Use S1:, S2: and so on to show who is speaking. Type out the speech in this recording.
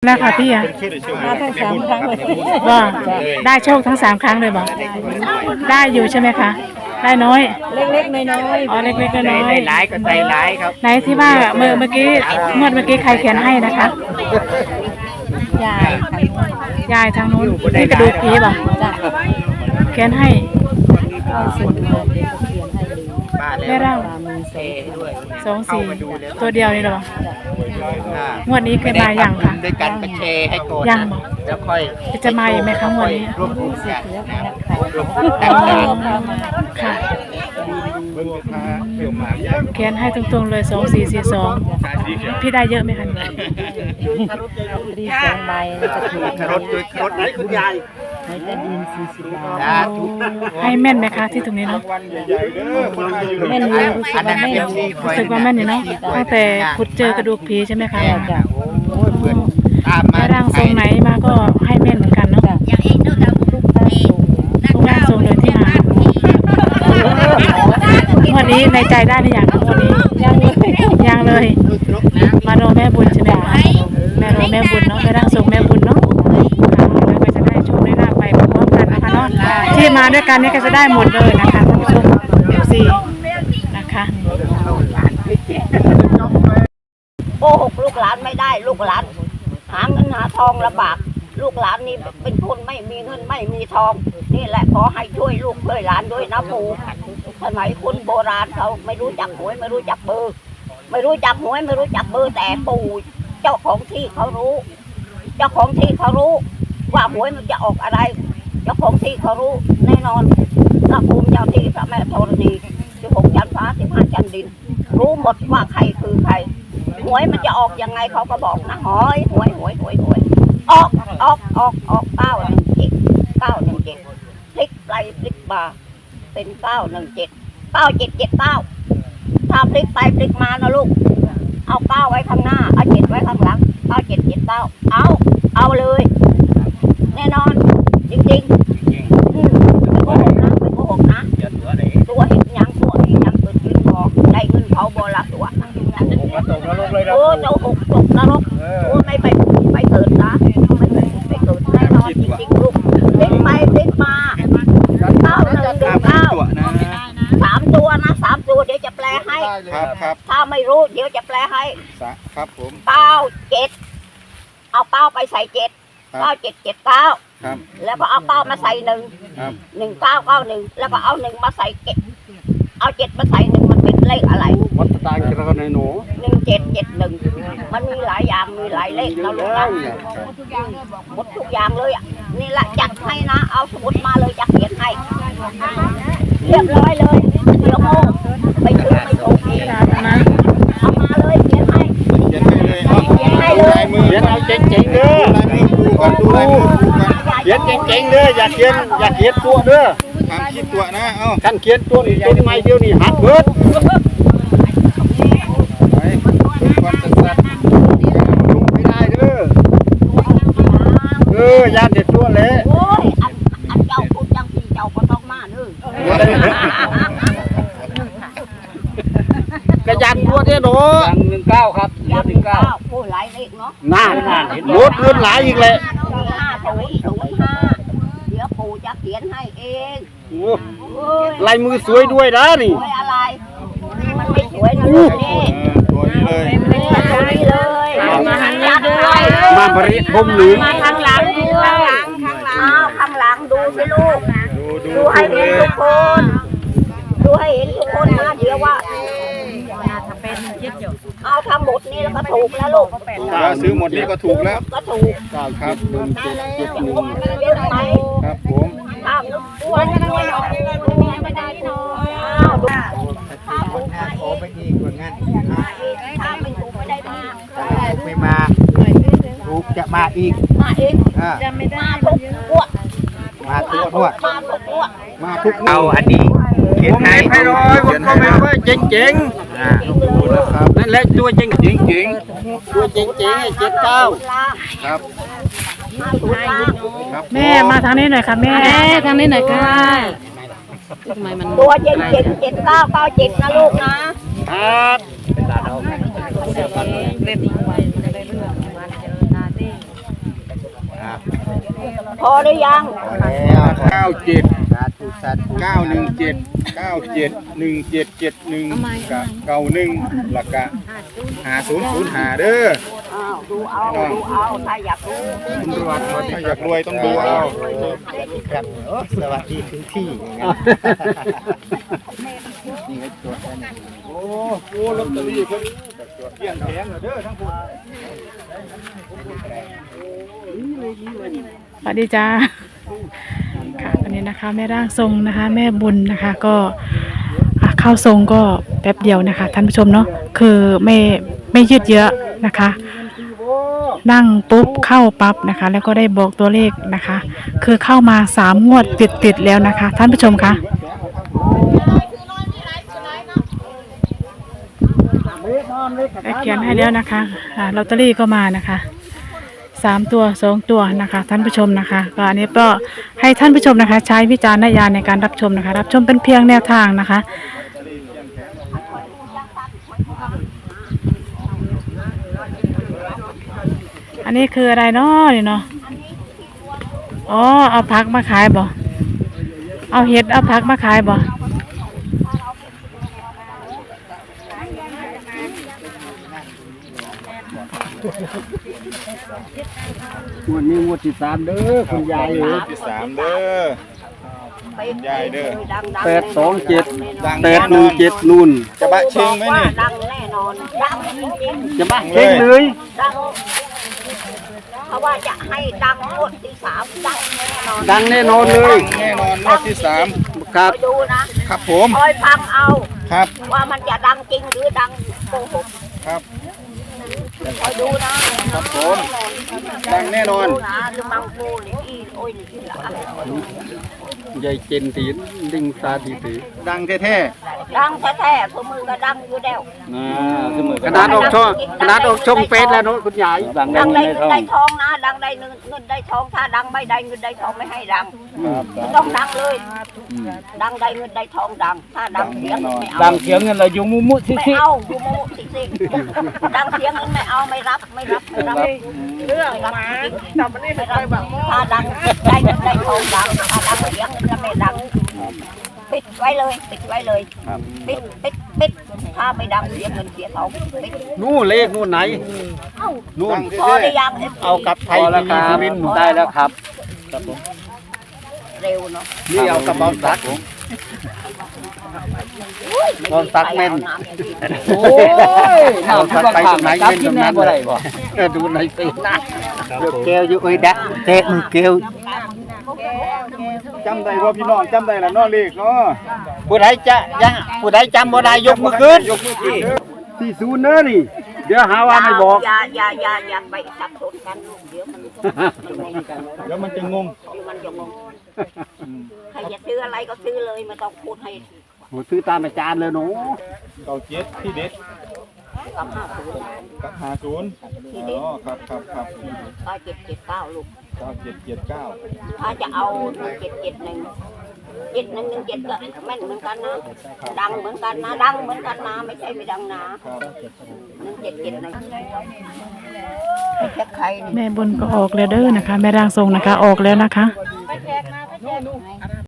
S1: แล้วค่ะพี่อะ
S2: มาทั้ง3 ครั้งเลย
S1: ว่าได้โชคทั้ง3 ครั้งเลยบอกได้อยู่ใช่ไหมคะได้น้อย
S2: เล็กๆน้อย
S1: อ๋อเล็กๆน้อย
S3: ได้หลายก็ได้หลายครับ
S1: ไหนที่ว่าเมื่อกี้งวดเมื่อกี้ใครเขียนให้นะคะ
S2: ๆยาย
S1: ทางนู้นที่กระดูกผีบอกเขียนให้แม่ร่าง24ตัวเดียวนี่หรอวงวดนี้เคยมาอย่างค่ะ
S3: ด้วยกันไปแชร์ให้ก่อน
S1: ยังบอก
S3: แล้วค่อย
S1: จะมาอีกไหมครั้งวันนี้
S3: รวบรวมกัน
S1: ค่ะเขียนให้ตรงๆเลย2442พี่ได้เยอะไหมคะ
S2: ดี2 ใบแล้วก็ถูก
S3: ครถด้วยครถไหนคุณยาย
S2: ให้แต่ดิน40 บาท
S1: ให้แม่นไหมคะที่ตรงนี้เนาะ
S2: แม่นอยู่
S1: รู้สึกว่าแม่นอยู่เนาะตั้งแต่ขุดเจอกระดูกผีใช่ไหมคะแม่ร่างทรงไหนมาก็ให้แม่นเหมือนกันเนาะทุกร่างทรงเลยที่มาวันนี้ในใจได้หรือยังวันนี้ยังเลยมารอแม่บุญใช่ไหมคะแม่รอแม่บุญเนาะแม่ร่างทรงแม่บุญเนาะแล้วก็จะได้โชคได้ลาภไปพร้อมกันนะคะเนาะที่มาด้วยกันนี่ก็จะได้หมดเลยนะคะท่านผู้ชมFCนะคะ
S4: โกหกลูกหลานไม่ได้ลูกหลานหาเงินหาทองลำบากลูกหลานนี่เป็นคนไม่มีเงินไม่มีทองนี่แหละขอให้ช่วยลูกช่วยหลานด้วยนะปู่สมัยคนโบราณเขาไม่รู้จักหวยไม่รู้จักเบอร์ไม่รู้จักหวยไม่รู้จักเบอร์แต่ปู่เจ้าของที่เขารู้เจ้าของที่เขารู้ว่าหวยมันจะออกอะไรเจ้าของที่เขารู้แน่นอนพระภูมิเจ้าที่พระแม่ธรณี16 ชั้นฟ้า15 ชั้นดินรู้หมดว่าใครคือใครหวยมันจะออกยังไงเขาก็บอกนะหวยออก917 พลิกไปพลิกมาเป็น917 9779ถ้าพลิกไปพลิกมานะลูกเอา9ไว้ข้างหน้าเอา7ไว้ข้างหลัง9779เอาเลยแน่นอนจริงๆไม่โกหกนะตัวเห็นยังตัวนี้ยังตัวจริงบอกได้เงินเขาบละตัวโอ้เจ้าหกตกนรกโอ้ไม่ไปเกิดนะไม่เกิดแน่นอนจริงๆลูกพลิกไปพลิกมา3 ตัวนะ3 ตัวเดี๋ยวจะแปลให้
S3: ครับ
S4: ถ้าไม่รู้เดี๋ยวจะแปลให้
S3: ครับผม
S4: 97เอา9ไปใส่7 9779แล้วก็เอา9มาใส่1991แล้วก็เอา1มาใส่เอา7มาใส่1มันเป็นเลขอะไร
S3: วัดตาเจริญในหนู
S4: 1771มันมีหลายอย่างมีหลายเลขนะลูกนะหมดทุกอย่างเลยอ่ะนี่แหละจัดให้นะเอาสมุดมาเลยจะเขียนให้เรียบร้อยเลยเดี๋ยวโมไปซื้อไม่ถูกเองนะเอามาเลยเขียนให้เลย
S3: เขียนเอาเจ๋งๆเด้อดูลายมือเขียนเจ๋งๆเด้ออย่าเขียนตัวเด้อทำคิดตัวนะขั้นเขียนตัวนี่ต้นไม้เดียวนี่หักเบิดไม่ได้เด้อยานเด็ดตัวเลย
S4: โอ้ยอันเจ้าพูดจังพี่เจ้าก็ต้องมาเด้
S3: กระยันตัวเด้อหนู19ครับ
S4: 19ผู้หลายเลขเนาะ
S3: น่าลดเงินหลายอีกเลย
S4: เดี๋ยวปู่จะเขียนให้เอง
S3: ลายมือสวยด้วยนะนี่
S4: สวยอะไรมันไม่สวยนะลูกนี่
S3: ตัวนี้เลย
S4: ตัวนี้เลยมาทางหลังด้วย
S3: มาบริพมหรือ
S4: มาทางหลังข้างหลังดูสิลูกดูให้เห็นทุกคนนะเดี๋ยวว่าเอาทำหมดนี้แล้วก็ถูกแล้วลูก
S3: ซื้อหมดนี้ก็ถูกแล้ว
S4: ก็ถูก
S3: ครับ
S4: เยอะไหม
S3: ครับผม
S4: ข้ามตัวไม่ได้เนาะถ้าถูก
S3: ขอไปอีกคนงั้น
S4: ถ้าไม่ถูกไม่ได้มา
S3: ไม่มาถูกจะมาอีก
S4: จะไม่ได้มาทุกตัว
S3: มาทุกเอาอันนี้เขียนให้ร้อยผมก็ไม่ว่าเจ๋งนั่นแหละตัวเจ๋งตัวเจ๋ง79ครับ
S1: แม่มาทางนี้หน่อยค่ะแม่ทางนี้หน่อยค่ะ
S4: ทำไมมันตัวเจ๋ง7997นะลูกนะครับอหรือยัง
S3: 97 917 97 1771กับ91แล้วก็5005เด้อ
S4: อ้าวดูเอาถ้าอยากรู้
S3: ถ้าอยากรวยต้องดูเอา
S2: ครับสวัสดีถึงที่อย่างนั้นนี่ก็ตัวนี้
S3: โอ้โหลอตเตอรี่เพิ่นเกี่ยงแพงเด้อทั้งพุ่น
S1: สวัสดีจ้าค่ะวันนี้นะคะแม่ร่างทรงนะคะ แม่บุญนะคะก็เข้าทรงก็แป๊บเดียวนะคะท่านผู้ชมเนาะคือไม่ยืดเยอะนะคะ นั่งปุ๊บเข้าปั๊บนะคะ แล้วก็ได้บอกตัวเลขนะคะ คือเข้ามา3 งวดติดแล้วนะคะ ท่านผู้ชมคะได้เขียนให้แล้วนะคะลอตเตอรี่ก็มานะคะ3 ตัว2 ตัวนะคะท่านผู้ชมนะคะก็อันนี้ก็ให้ท่านผู้ชมนะคะ ใช้วิจารณญาณในการรับชมนะคะ รับชมเป็นเพียงแนวทางนะคะ อันนี้คืออะไรเนาะนี่เนาะอ๋อเอาผักมาขายบ่เอาเห็ดเอาผักมาขายบ่
S2: วันนี้งวดที่3เด้อคุณยายเอ้ย
S3: ที่3เด้อยายเด้อ
S2: 827 817นู่น
S3: จะบะเชิงไหมนี่
S4: ดังแน่นอนดังจริง
S2: จะบ้าเก่งเลย
S4: ๆดังเพราะว่าจะให้ดังงวดที่3ดังแน่นอน
S2: ดังแน่นอนเลย
S3: แน่นอนงวดที่3
S2: ครับ
S4: คอยดูนะครับ
S3: ผม
S4: คอยฟังเอา
S3: ครับ
S4: ว่ามันจะดังจริงหรือดังโกหก
S3: ครับ
S4: คอยดูนะครับ
S3: ผมดังแน่นอน
S4: ดูนะคือมังกูนี่อีโอ้ยนี่ละ
S2: ยายเจนตีนลิงซาตีตี
S3: ดังแท้
S4: ดังแท้ๆพวกมือก็ดังอยู่แล้ว
S2: ขนาดออกช่องเฟซแล้วเนาะคุณยายดัง
S4: ดัง
S2: ใน
S4: ได้
S2: ท้อง
S4: ได้ทองนะดังได้เงินได้ทองถ้าดังไม่ได้เงินได้ทองไม่ให้ดัง
S3: ๆครับ
S4: ไม่ต้องดังเลย ดังได้เงินได้ทองดัง ถ้าดังเสียงไม่เอา
S2: ดังเสียงเงินเราอยู่มุมุซิ
S4: ไม่
S2: ซิ
S4: เอาดูโมสิสิดังเสียงนั้นไม่เอาไม่รับเรื่องมาจำไม่ได้แบบถ้าดังได้เงินได้ทองดังถ้าดังเสียงนั้นไม่ดังปิดไว้เลยปิดถ้าไม่ดังเสียเงินเสียทองปิด
S2: นู่นเลขนู่นไหน
S3: นู่น
S4: พอได้ยัง
S2: เอากับไทยทีวีสุรินทร์ได้แล้วครับ
S4: เร็วเนาะ
S2: นี่เอากระเป๋าซักนอนซักเม่นโอ้ยเอาซักไปตรงไหนเม่นตรงนั้นเลยดูในสิแก้วอยู่ไอ้ดักเตะมือแก้ว
S3: จำได้ว่าพี่น้องจำได้ละเนาะเลขเนาะ
S2: ผู้ใดจะยังผู้ใดจำบ่ได้ยกมือขึ้น
S3: ยกมือขึ้นเด้อ
S2: ที่ศูนย์เน้อนี่เดี๋ยวหาว่าไม่บอก
S4: อย่าไปสับสนกันเดี๋ยวมัน
S3: เดี๋ยวมันจะงง
S4: มันจะงงใครจะซื้ออะไรก็ซื้อเลยไม่ต้องพูดให้
S2: โหซื้อตามอาจารย์เลยหนู
S3: เก่า7ที่เด็ด
S4: กับ50
S3: กับ50
S4: ที่เด็ด
S3: อ๋อครับครับครับ
S4: ก็779ลูก
S3: 9779
S4: ถ้าจะเอา1771 7117ก็แม่นเหมือนกันนะดังเหมือนกันนะไม่ใช่ไม่ดังนะครับ1771ไม่ใช่ใคร
S1: แม่บุญก็ออกแล้วเด้อนะคะ แม่ร่างทรงนะคะออกแล้วนะคะ